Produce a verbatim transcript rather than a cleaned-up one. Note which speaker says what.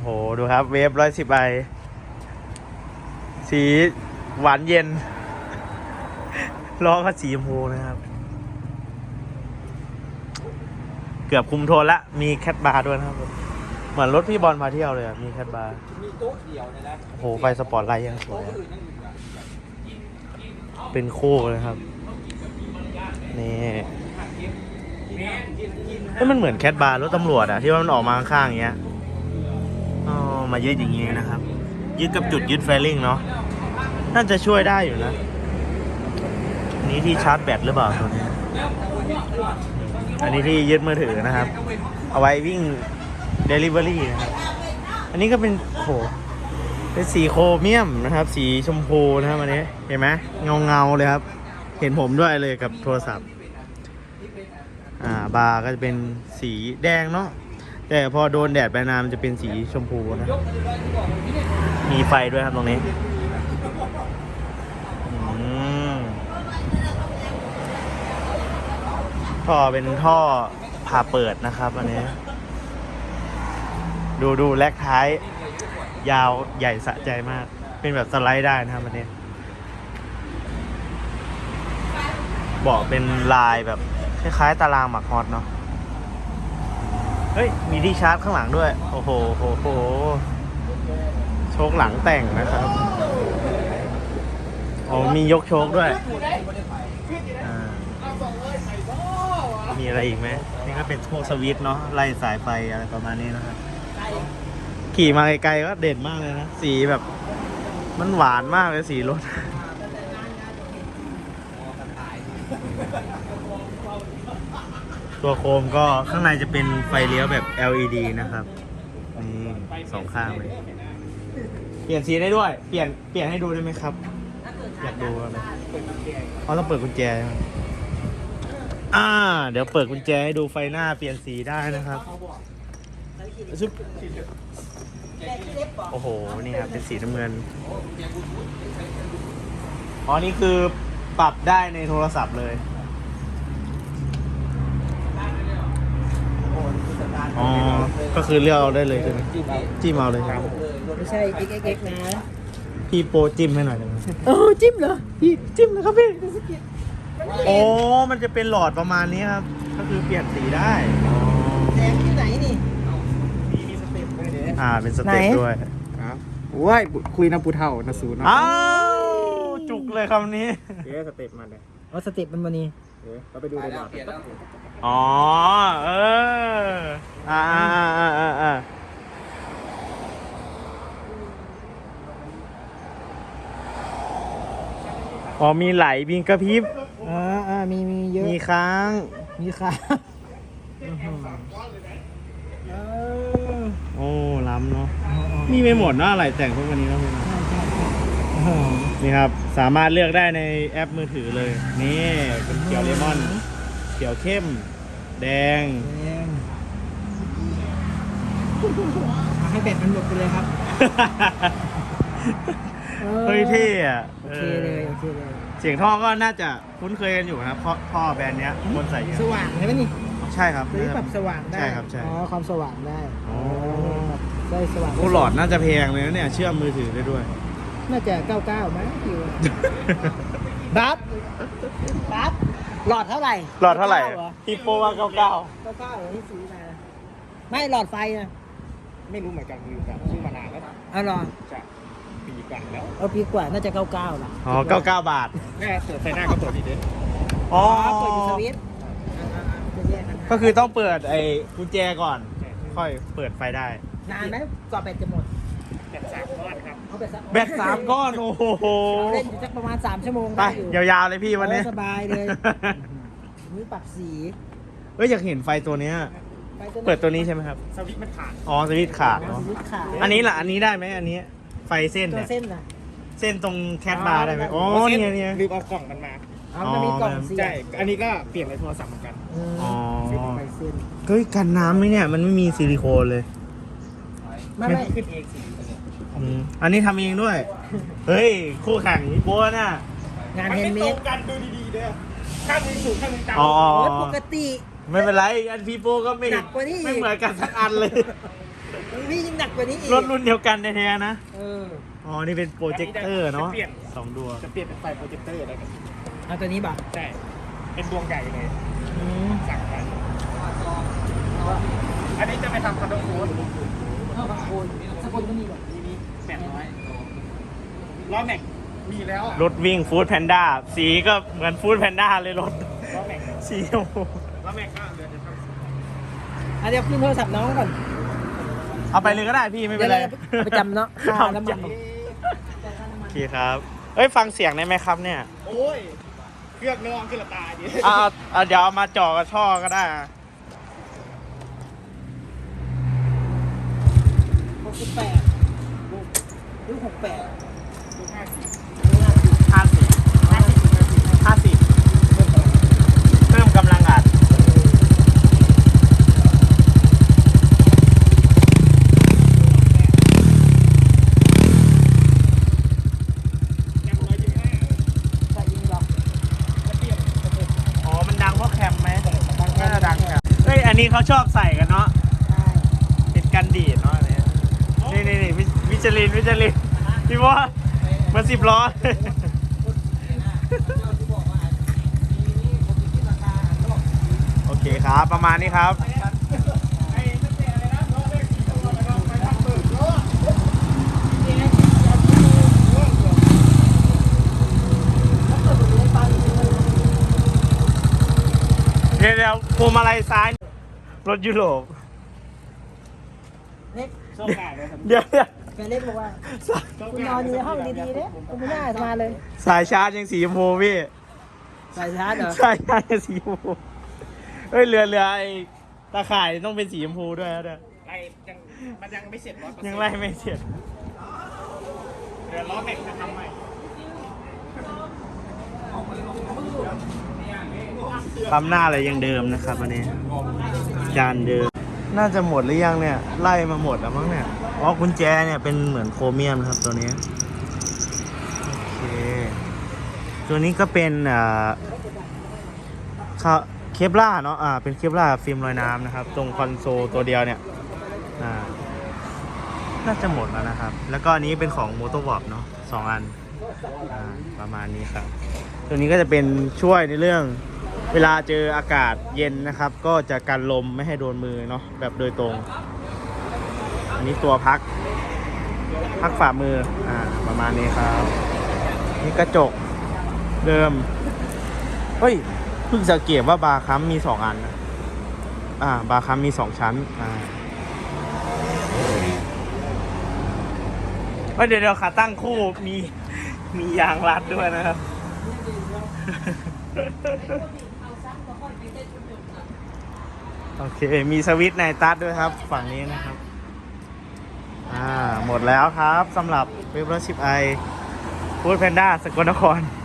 Speaker 1: โหดูครับเวฟร้อยสิบไอสีหวานเย็นล้อก็สีชมพูนะครับเกือบคุมโทนละมีแคทบาร์ด้วยนะครับเหมือนรถพี่บอลพาเที่ยวเลยมีแคทบาร์มีโต๊ะเดียวนะโอ้โหไฟสปอร์ตไลท์ยังสวยเป็นโค้เลยครับนี่เฮ้ยมันเหมือนแคทบาร์รถตำรวจอะที่ว่ามันออกมาข้างๆอย่างเงี้ยอ๋อมายึดอย่างงี้นะครับยึดกับจุดยึดแฟลิ่งเนาะน่าจะช่วยได้อยู่นะนี้ที่ชาร์จแบตหรือเปล่าตัวนี้อันนี้ที่ยึดมือถือนะครับเอาไว้วิ่ง Delivery นะครับอันนี้ก็เป็นโหเป็นสีโครเมียมนะครับสีชมพูนะครับอันนี้เห็นไหมเงาเงาเลยครับเห็นผมด้วยเลยกับโทรศัพท์อ่าบาร์ก็จะเป็นสีแดงเนาะแต่พอโดนแดดไปนานมันจะเป็นสีชมพูนะมีไฟด้วยครับตรงนี้ท่อเป็นท่อผ่าเปิดนะครับอันนี้ดูดูแลกท้ายยาวใหญ่สะใจมากเป็นแบบสไลด์ได้นะครับอันนี้เบาะเป็นลายแบบคล้ายๆตารางหมักฮอตเนาะเฮ้ยมีที่ชาร์จข้างหลังด้วยโอ้โหโอ้โหโชคหลังแต่งนะครับอ๋อมียกโชคด้วยมีอะไรอีกไหมนี่ก็เป็นพวกสวิตช์เนาะไล่สายไฟอะไรประมาณนี้นะครับขี่มาไกลๆก็เด่นมากเลยนะสีแบบมันหวานมากเลยสีรถตัวโคมก็ข้างในจะเป็นไฟเลี้ยวแบบ แอล อี ดี นะครับนี่สองข้างเลยเปลี่ยนสีได้ด้วยเปลี่ยนเปลี่ยนให้ดูได้ไหมครับอยากดูเลยเขาต้องเปิดกุญแจอ่าเดี๋ยวเปิดกุญแจให้ดูไฟหน้าเปลี่ยนสีได้นะครับโอ้โหนี่ครับเป็นสีน้ำเงินอ๋อนี่คือปรับได้ในโทรศัพท์เลยอ๋อก็คือเลือกเอาได้เลยใช่ไหมจิ้มเอาเลยครับ
Speaker 2: ไม่ใช่ เอ็กซ์ เอ็กซ์ นะ
Speaker 1: พี่โปรจิ้มให้หน่อยได้ไหม
Speaker 2: เออจิ้มเหรอ
Speaker 1: พี่จิ้มนะครับพี่โอ้มันจะเป็นหลอดประมาณนี้ครับก็คือเปลี่ยนสีได้
Speaker 2: แดงที่ไหนนี่
Speaker 1: มีสเต็ปด้วยเนี่ยอ่าเป็นสเต็ปด้วย
Speaker 3: ครับว้ายคุยน้ำปูเท่านะสูนะ
Speaker 1: อ้าวจุกเลยคำนี้
Speaker 3: เดี๋ยวสเต็ปมาเลย
Speaker 2: อ๋อสเต็ปมันวันนี้
Speaker 3: เดี๋ยวเราไปดูเลยก่อน
Speaker 1: อ๋อเอออ่าอ่าอ่าอ่าอ่าอ๋อมีไหลมีกระพริบ
Speaker 2: อ่าอ่ามีมีเยอะ
Speaker 1: มีค้าง
Speaker 2: มีค้าง
Speaker 1: โอ้ล้ำเนาะมีไม่หมดนะอะไรแต่งพวกวันนี้แล้วพี่นะนี่ครับสามารถเลือกได้ในแอปมือถือเลยนี่เป็นเขียวเลมอนเขียวเข้มแดง
Speaker 2: ให้แบตมันหมดไปเลยครับ
Speaker 1: เฮ้ยเท่อะ
Speaker 2: โอเคเลยโอเคเลย
Speaker 1: เสียงท่อก็น่าจะคุ้นเคยกันอยู่นะครับเพราะท่อแบรนด์เนี้ยคนใส่เยอะ
Speaker 2: สว่างใช่ไหมนี่
Speaker 1: ใช่ครับ
Speaker 2: นี่ปรับสว่างได้
Speaker 1: ใช่ครับใช่
Speaker 2: อ๋อความสว่างได้อ๋อได้สว่าง
Speaker 1: โอ้หลอดน่าจะแพงเลยนะเนี่ยเชื่อมมือถือได้ด้วย
Speaker 2: น่าจะเก้าเก้ามั้งอยู่บัฟบัฟหลอดเท่าไหร่
Speaker 1: หลอดเท่าไหร่ฮิปโปว่าเก้าเก้า
Speaker 2: เก้าเก้าที่ซื้อมาไม่หลอดไฟนะ
Speaker 3: ไม่รู้เหมือนกันคือแบบซื้อมานานแล้ว
Speaker 2: อ๋อหรอ
Speaker 3: จะปีกว่าแล้ว
Speaker 2: เอาปีกว่าน่าจะเก้าเก้าล่ะ
Speaker 1: อ๋อเก้าเก้าบาท
Speaker 3: แม่เปิดไฟหน้าก็เปิดดีด้วย
Speaker 1: อ๋อ
Speaker 2: เปิดอยู่สวิตช์
Speaker 1: ก็คือต้องเปิดไอ้กุญแจก่อนค่อยเปิดไฟได้
Speaker 2: นานไหมกว่าแบตจะหมด
Speaker 3: แบตสามก้อนครับ
Speaker 1: แบตสามก้อนโอ้โห
Speaker 2: เล่นอยู่สักประมาณสามชั่วโมง
Speaker 1: ไปยาวๆเลยพี่วันนี้
Speaker 2: สบายเลยนี่ปรับสี
Speaker 1: เฮ้ยอยากเห็นไฟตัวเนี้ยเปิดตัวนี้ใช่ไหมครับ
Speaker 3: สวิตช์มันขาด
Speaker 1: อ๋อสวิตช์ขาดเนาะอันนี้ล่ะอันนี้ได้ไหมอันนี้ไฟเส้นเนี่ย
Speaker 2: เส้นน่ะ
Speaker 1: เส้นตรงแคทบาร์ได้ไหมอ๋อเนี่ยเนี่ย
Speaker 3: ลืมเอากล่องมันมา
Speaker 2: อ๋อมันมีกล่องสี
Speaker 3: ใช่อันนี้ก็เปลี่ยนในโทรศัพท์เหมือนกัน
Speaker 1: อ๋อเฮ้ยกันน้ำไหมเนี่ยมันไม่มีซิลิโคนเลย
Speaker 2: ไม่ไม่
Speaker 3: ขึ้นเองสิ
Speaker 1: อันนี้ทำเองด้วยเฮ้ยคู่แข่งนี่โบ้น่ะ
Speaker 2: งานเฮนด์เมด
Speaker 3: กันดูดีๆเด้อข้างนึงสูงข้างนึงต่ำ
Speaker 1: อ๋อ
Speaker 2: ปกติ
Speaker 1: ไม่เป็นไรอันพีโปก็ไม่
Speaker 2: หนักกว่านี้
Speaker 1: ไม่เหมือนกันสักอันเลย
Speaker 2: นี่ยิ่งหนักกว่านี้อีก
Speaker 1: รถรุ่นเดียวกันแท้ๆนะ
Speaker 2: เออ
Speaker 1: อ๋อ นี่เป็นโปรเจคเตอร์เนาะ
Speaker 3: จปลี่ย
Speaker 1: สองดวง
Speaker 3: จะเปลี่ยนเป็นไฟโปรเจคเตอร์อะไรกัน
Speaker 2: เอาตัวนี้ป่ะ
Speaker 3: ใช่ เป็นดวงใหญ่เลย
Speaker 2: อืม
Speaker 3: สั่งไปอันนี้จะไปทำคอนโดโค้ด
Speaker 2: เอาบางคนสกุลก็มีแบบ
Speaker 3: มีนี้แปดร้อยล้อแม็กมีแล้ว
Speaker 1: รถวิ่งฟู้ดแพนด้า สีก็เหมือนฟู้ดแพนด้าเลยรถ
Speaker 3: ล้อแม็ก
Speaker 1: สีชมพู
Speaker 3: ล้อแม็กก็เดือนจะทำ
Speaker 2: อ่ะเดี๋ยวขึ้นโทรศัพท์น้องก่อน
Speaker 1: เอาไปเลยก็ได้พี่ไม่เป็นไร
Speaker 2: เดี๋ยวเราไปจำเนาะค่าน้ำมัน
Speaker 1: โอเคครับ เอ้ย ฟังเสียงได้ไหมครับเนี่ย
Speaker 3: โอ้ย เครื่องน้องขึ้นละตาดิ
Speaker 1: เอาเอาเอาเดี๋ยวเอามาจ่อกับช่อก็ได้อะ
Speaker 2: หกสิบแปดลูกหกแปด
Speaker 3: ดูห้าสิบ
Speaker 1: ห้าสิบห้าสิบเพิ่มกำลังอัด
Speaker 3: ยังร้อยยี่สิบห้า
Speaker 2: ใส่ยิงหรอก
Speaker 3: จะเปลี่ยนจะเปลี่ยน
Speaker 1: อ๋อ มันดังเพราะแคมไหมน่าจะดังแคมเฮ้ย อันนี้เขาชอบใส่กันเนาะ
Speaker 2: ใช่
Speaker 1: เป็นกันดีดเนาะเนี่ยนี่นี่นี่วิจลินวิจลินพี่ว่ามาสิบล้อ โอเคครับ ประมาณนี้ครับ
Speaker 3: ไอ้นั่นเป็นอะไรนะล้อแม็กสี่ตัวแล้วก็ไปทำเบิกล้อ
Speaker 1: เดี๋ยวเดี๋ยวพวงมาลัยซ้าย รถยุโรป
Speaker 2: เล็ก
Speaker 3: โชคดีเลยครับ
Speaker 1: เดี๋ยวเดี๋ยว
Speaker 2: แกเล็กบอกว่าคุณนอนอยู่ในห้องดีๆเนี่ยคุณไม่น่ามาเลย
Speaker 1: สายชาร์จยังสีชมพูพี่
Speaker 2: ใส่ชาร์จเหรอ
Speaker 1: สายชาร์จยังสีชมพูเฮ้ยเรือเรือไอ้ตาข่ายต้องเป็นสีชมพูด้วยนะเนี่ย
Speaker 3: ไอ้ยังมันยังไม่เสร็จร้อยเปอร์เซ็นต์
Speaker 1: ยังไล่ไม่เสร็จ
Speaker 3: เดี๋ยวล้อแม็กจะทำใหม่
Speaker 1: ปั๊มหน้าอะไรยังเดิมนะครับอันนี้จานเดิม น่าจะหมดหรือยังเนี่ย ไล่มาหมดแล้วมั้งเนี่ย อ๋อกุญแจเนี่ยเป็นเหมือนโครเมียมนะครับตัวนี้ โอเค ตัวนี้ก็เป็นอ่าเคปล่าเนาะ อ่า เป็นเคปล่าฟิล์มลอยน้ำนะครับ ตรงคอนโซลตัวเดียวเนี่ย อ่า น่าจะหมดแล้วนะครับ แล้วก็อันนี้เป็นของ m o t o w o r p เนาะสองอัน อ่า ประมาณนี้ครับ ตัวนี้ก็จะเป็นช่วยในเรื่องเวลาเจออากาศเย็นนะครับ ก็จะกันลมไม่ให้โดนมือเนาะแบบโดยตรง อันนี้ตัวพัก พักฝ่ามือ อ่า ประมาณนี้ครับ นี่กระจกเดิม เฮ้ย เพิ่งสังเกตว่าบาร์คัมมีสองอันนะอ่า บาร์คัมมีสองชั้น อ่าเฮ้ยเดี๋ยวเดี๋ยวขาตั้งคู่มีมียางรัดด้วยนะครับ โอเค มีสวิตช์ในตัดด้วยครับ ฝั่งนี้นะครับ อ่า หมดแล้วครับสำหรับเว็บรถชิปไอฟู้ดแพนด้าสกลนคร